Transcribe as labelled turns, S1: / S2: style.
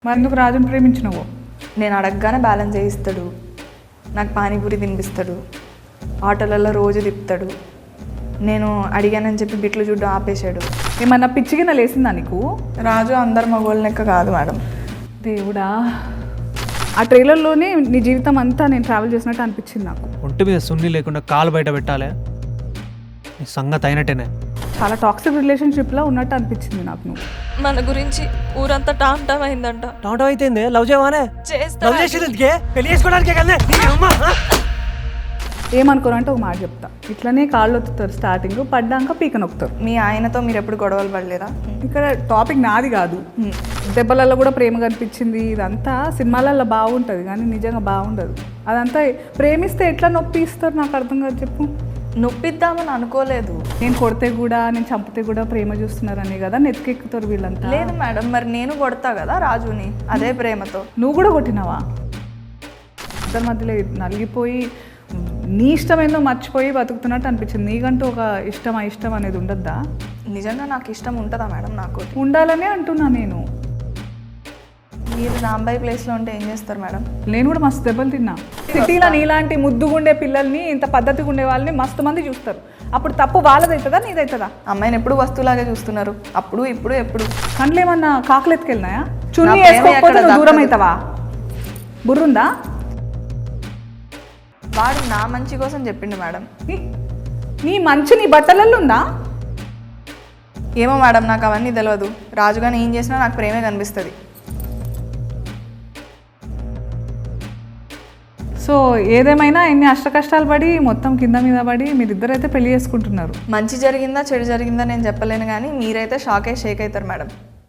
S1: మరి ఎందుకు రాజుని ప్రేమించినవో?
S2: నేను అడగగానే బ్యాలెన్స్ చేయిస్తాడు, నాకు పానీపూరి తినిపిస్తాడు, ఆటోలలో రోజు తిప్పుతాడు. నేను అడిగానని చెప్పి బిట్లు చూడ్డం ఆపేశాడు.
S1: ఏమన్నా పిచ్చిగిన లేసిందా నీకు?
S2: రాజు అందరు మగోళ్ళ లెక్క కాదు మేడం.
S1: దేవుడా, ఆ ట్రైలర్లోనే నీ జీవితం అంతా నేను ట్రావెల్ చేసినట్టు అనిపించింది నాకు.
S3: ఒంటి మీద సున్ని లేకుండా కాలు బయట పెట్టాలి, నీ సంగతి అయినట్టేనే.
S1: చాలా టాక్సిక్ రిలేషన్షిప్లో ఉన్నట్టు అనిపించింది నాకు. నువ్వు
S4: మన గురించి ఊరంతా టామ్ టామ్ అయిందంట.
S3: టమాటో అయితే లవ్ చేయవానే? లవ్ చేసేది పెళ్లి చేసుకోవడానికే కదా.
S1: ఏమనుకోరంటే ఒక మాట చెప్తా, ఇట్లనే కాళ్ళు ఒత్తుతారు, స్టార్టింగ్ పడ్డాక పీక నొక్కుతారు.
S2: మీ ఆయనతో మీరు ఎప్పుడు గొడవలు పడలేదా?
S1: ఇక్కడ టాపిక్ నాది కాదు. దెబ్బలలో కూడా ప్రేమ కనిపించింది. ఇదంతా సినిమాలలో బాగుంటుంది కానీ నిజంగా బాగుండదు. అదంతా ప్రేమిస్తే ఎట్లా నొప్పి ఇస్తారు నాకు అర్థం కాదు. చెప్పు.
S2: నొప్పిద్దామని అనుకోలేదు.
S1: నేను కొడితే కూడా నేను చంపితే కూడా ప్రేమ చూస్తున్నారనే కదా నెత్తికెక్కుతారు వీళ్ళంతా.
S2: లేదు మేడం, మరి నేను కొడతా కదా రాజుని అదే ప్రేమతో.
S1: నువ్వు కూడా కొట్టినావా? ఇద్దరి మధ్యలో నలిగిపోయి నీ ఇష్టమేందో మర్చిపోయి బతుకుతున్నట్టు అనిపించింది. నీకంటూ ఒక ఇష్టం ఇష్టం అనేది ఉండద్దా?
S2: నిజంగా నాకు ఇష్టం ఉంటుందా మేడం? నాకు
S1: ఉండాలనే అంటున్నా నేను.
S2: మీరు రాంబాయి ప్లేస్లో ఉంటే ఏం చేస్తారు మేడం?
S1: నేను కూడా మస్తు దెబ్బలు తిన్నా. సిటీలో నీలాంటి ముద్దుగుండే పిల్లల్ని, ఇంత పద్ధతిగా ఉండే వాళ్ళని మస్తు మంది చూస్తారు. అప్పుడు తప్పు వాళ్ళదవుతుందా నీదవుతుందా?
S2: అమ్మాయిని ఎప్పుడు వస్తువులాగే చూస్తున్నారు, అప్పుడు ఇప్పుడు ఎప్పుడు.
S1: కండ్లు ఏమన్నా కాకులు ఎత్తుకెళ్ళినాయా? చున్నీ వేసుకోకపోతే నువ్వు దూరం అవుతావా? బుర్రుందా?
S2: వాడు నా మంచి కోసం చెప్పిండు మేడం.
S1: నీ మంచి నీ బట్టలలో ఉందా?
S2: ఏమో మేడం, నాకు అవన్నీ తెలియదు. రాజుగాని ఏం చేసినా నాకు ప్రేమే కనిపిస్తుంది.
S1: సో ఏదేమైనా ఎన్ని అష్ట కష్టాలు పడి మొత్తం కింద మీద పడి మీరిద్దరైతే పెళ్లి చేసుకుంటున్నారు.
S2: మంచి జరిగిందా చెడు జరిగిందా నేను చెప్పలేను, కానీ మీరైతే షేక్ అవుతారు మేడం.